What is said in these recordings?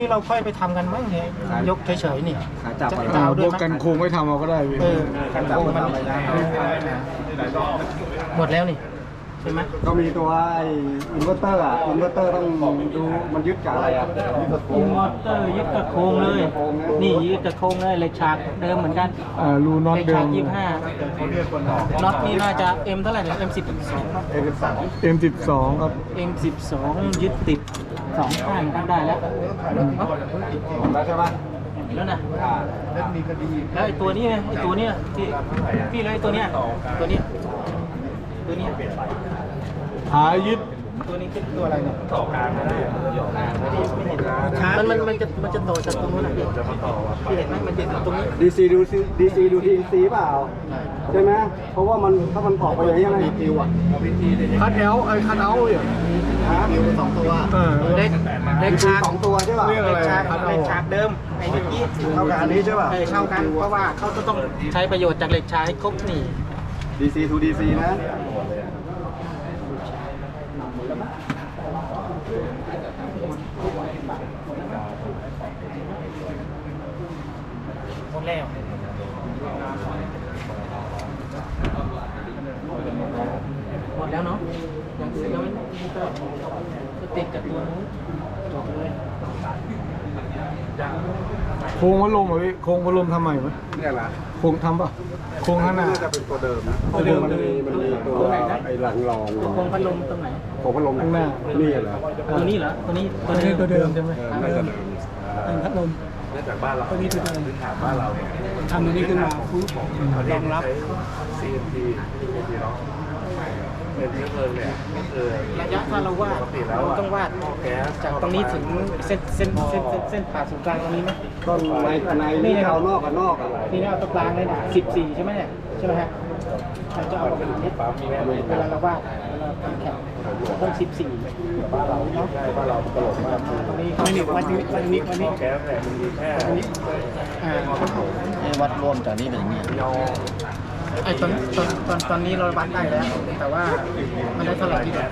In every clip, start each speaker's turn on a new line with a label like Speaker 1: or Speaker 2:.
Speaker 1: ที่เราค่อยไปทำกันมั้งเนี่ยยกเฉยๆนี่
Speaker 2: ขาจับอะไร
Speaker 1: จะเอาด้วย
Speaker 3: พวกกันโครงไม่ทำเอาก็ได้พี่
Speaker 1: กันโครงมันหมดแล้วนี่ใช่ไหม
Speaker 2: ก็มีตัวอินเวอร์เตอร์อินเวอร์เตอร์ต้องดูมันยึดกับอะไรยึดกับโคร
Speaker 1: อิ
Speaker 2: ง
Speaker 1: นเวอร์เตอร์ยึดกับโครงเลย นี่ยึดกับโครงเลยเหล็กฉากเดิมเหมือนกัน
Speaker 3: รูน็อต
Speaker 1: เหล็ก
Speaker 3: เดิ
Speaker 1: ฉาก
Speaker 3: ม
Speaker 1: 25น็อตนี่น่าจะ M เท่าไหร่เนี่ย M12
Speaker 2: M12
Speaker 3: M12 ครับ
Speaker 1: M12 ยึดติด2ข้างกันได้แล้ว
Speaker 2: แล้วใช่ปะ
Speaker 1: แล้วนะแล้วไอ้ตัวนี้ไงไอ้ตัวเนี้ยที่พี่เลยตัวเนี้ยตัวเนี้ยตัวเนี้ย
Speaker 3: หายึด
Speaker 1: ตัวนี้คือตัวอะไรเนี่ยต่อกลางไม่ได้มันจะต่อจากตรงนู้นนะพี่เห็นไหมมันจะตรงนี้
Speaker 2: DC ดู DC ดู DC เปล่าใช่ไหมเพราะว่ามันถ้ามันออกไปอย่างนี้มันปิวอ่ะ
Speaker 3: คัดเอลคัดเอาเนี่ย
Speaker 2: ปิว2ตัว
Speaker 1: เล็กฉาก
Speaker 2: 2ตัวใช่ป่ะ
Speaker 3: เรียกอะไร
Speaker 1: เหล็กฉากเดิมไอ้เมื่อกี้
Speaker 2: เท่ากับอันนี้ใช่ป่ะ
Speaker 1: เท่ากันเพราะว่าเขาจะต้องใช้ประโยชน์จากเหล็กฉากให้ครบนี่
Speaker 2: DC to DC นะ
Speaker 1: หมดแล้วหมดแล้วเนาะยังไม่ก็ติดกับตัวนู้นจบเลย
Speaker 3: โครงพัดลมเหรอพี่โครงพัดลมทำใหม่ไหม
Speaker 2: เนี่ยนะ
Speaker 3: โครงทำป่ะโครงข้างหน้า
Speaker 2: น่าจะเป็นตัวเดิมนะมันมีตัวไอ้หลังรอง
Speaker 1: โครงพัดลมตรงไหน
Speaker 2: ของพัดลม
Speaker 3: ข้างหน้า
Speaker 2: นี่เหรอ
Speaker 1: ตัวนี้เหรอตัวนี้
Speaker 3: ตัวเดิมใช่ไหม
Speaker 2: น่าจะเดิม
Speaker 1: พัดลม
Speaker 4: เนื่องจากบ้านเราตัวนี้คือพื้นฐานบ้านเราเนี่ย
Speaker 1: ทำตัวนี้ขึ้นมาปุ๊บ
Speaker 4: รองรับ CNT ที่เนาะเป็นเชื้อเพลิงเนี่ยก็คือ
Speaker 1: ระยะถ้าเราวาดเราต้องวาด
Speaker 4: แก๊ส
Speaker 1: จากตรงนี้ถึงเส้นผ่าศูนย์กลางตรงนี้ไหม
Speaker 2: ต้นในนี่เอานอกกับนอกอ่ะ
Speaker 1: นี่เอาตรงกลางเลยนะ14ใช่ไหมเนี่ยใช่ไหมฮะเราจะเอาแบบนี้เวลาเราวาดเวลาทำแข่งต้อง14บ้านเราเนาะ
Speaker 4: บ้านเราตลกมาก
Speaker 1: ตรงนี้ไม่หนึ่งวันนี้
Speaker 4: แก๊สเนี่ยมันมีแค่
Speaker 2: วัดรวมจากนี้เป็นอย่างนี้
Speaker 4: ยอ
Speaker 1: ไอ้ตอนนี้เราวัดได้แล้ว แต่ว่ามันได้เท่าไหร่ที่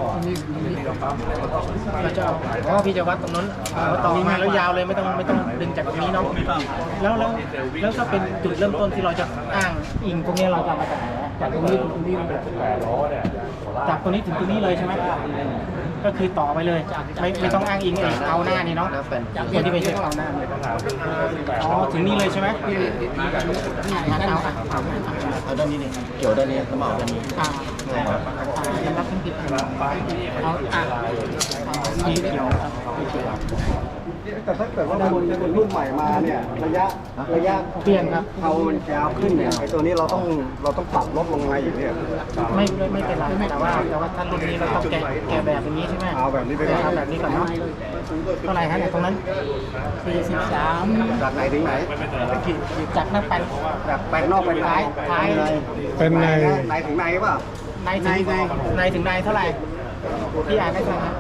Speaker 1: เราจะเอาพี่จะวัดตรงนั้นต่อมาแล้วยาวเลยไม่ต้องดึงจากตรงนี้เนาะแล้วก็เป็นจุดเริ่มต้นที่เราจะอ้างอิงพวกนี้เราจะมาจากไหนจากตรงนี้ถึงตรงนี้
Speaker 4: 8 ล้อเนี่ย
Speaker 1: จากตรงนี้ถึงตรงนี้เลยใช่ไหมก็คือต่อไปเลยไม่ต้องอ้างอิงเอาหน้านี่เนาะคนที่ไปเช็คเอาหน้าอ๋อถึงนี่เลยใช่ไหมงั้นเอาด้านนี้นี่เกี่ยวด้านนี้แล้วมาเอาด้านนี้ยังรับทั้งผิดเอามีเกี่ยว
Speaker 2: แต่ถ้าเกิดว่ามันเป็นรุ่นใหม่มาเนี่ยระยะ
Speaker 1: เปลี่ยนครับ
Speaker 2: เอามันยาวขึ้นเนี่ยไอ้ตัวนี้เราต้องปรับลดลงมาอีกเนี่ย
Speaker 1: ไม่เป็นไรแต่ว่าถ้ารุ่นนี้เราต้องแกะแบบนี้ใช่ไหม
Speaker 2: เอาแบบนี้ไปก่อน
Speaker 1: ทำแบบนี้ก่อนเนาะเท่าไหร่ฮะเนี่ยตรงนั้น43
Speaker 2: จากไหนถึงไหน
Speaker 1: จากหน้าปัน
Speaker 2: จากแปลงนอกไปท้าย
Speaker 3: เป็นใน
Speaker 2: ไหนถึงไหนเปล่า
Speaker 1: ในถึงในเท่าไหร่พี่อ่านได้เท่าไหร่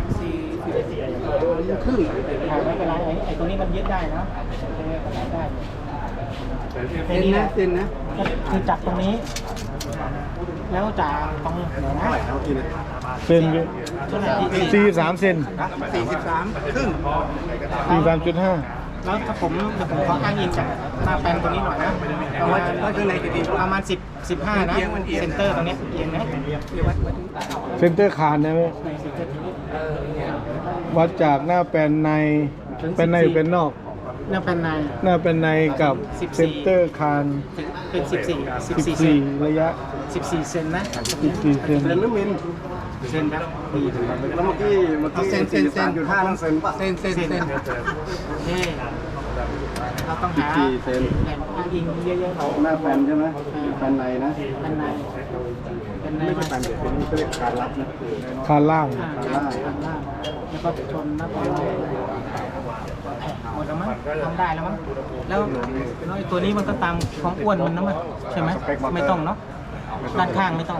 Speaker 1: ครึ่งไม่เป็นไรไอ้ตัวนี้มันยึดได้นะได้แค่นี้นะคือจับตรงนี้ แล้วจากตรงไหนนะ
Speaker 3: เซน43เซน
Speaker 2: 43ครึ่ง
Speaker 3: 43.5
Speaker 1: แล้วถ้าผมขออ้างอิงจากหน้าแปลนตัวนี้หน่อยนะประมาณ15นะเซนเตอร์ตรงนี้เอียงนะ
Speaker 3: เซนเตอร์คานนะพี่วัดจากหน้าแปลนในเป็นในหรือเป็นนอก
Speaker 1: หน้าแปลนใน
Speaker 3: หน้าเป็นในกับเซนเตอร์คาน
Speaker 1: เป็น14
Speaker 3: 14ระยะ
Speaker 1: 14เซนนะ
Speaker 3: 14เซน
Speaker 2: เซนหรือมิล
Speaker 1: เซนครับ
Speaker 2: แล้วเมื่อกี้43.5นั่นเซนป่ะเซน
Speaker 1: เฮ้เราต้องหา
Speaker 2: 14เซน
Speaker 1: แหล่งอ้างอิงเยอะๆหน่อย
Speaker 2: หน้าแปลนใช่ไหมแปลนในนะ
Speaker 1: แปลนในเป็นใน
Speaker 2: ไม่ใช่แปลนเด็กเป็นเรียกการรับนะ
Speaker 3: คานล่าง
Speaker 1: ล่างแล้วก็ชนหน้าแปลนหมดแล้วมั้งทำได้แล้วมั้งแล้วไอ้ตัวนี้มันก็ตามของอ้วนมันนะมันใช่ไหมไม่ต้องเนาะด้านข้างไม่ต้อง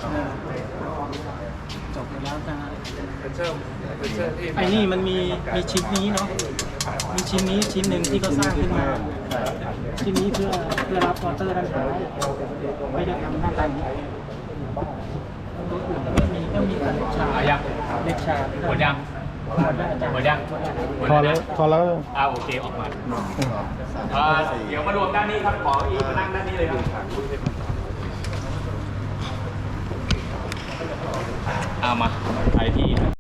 Speaker 1: จบไปแล้วจ้าไอ้นี่มันมีชิ้นนี้เนาะมีชิ้นนี้ชิ้นหนึ่งที่เขาสร้างขึ้นมาชิ้นนี้เพื่อรับมอเตอร์ด้านท้ายไม่ได้ทำหน้าตานี้ตัวอื่นไม่มีแต่เล็กชาหมดยัง
Speaker 5: หมดยัง
Speaker 3: พอแล้วพอแล้ว
Speaker 5: โอเคออกมาเดี๋ยวมารวมด้านนี้ครับขออีกมานั่งด้านนี้เลยครับมาไปที่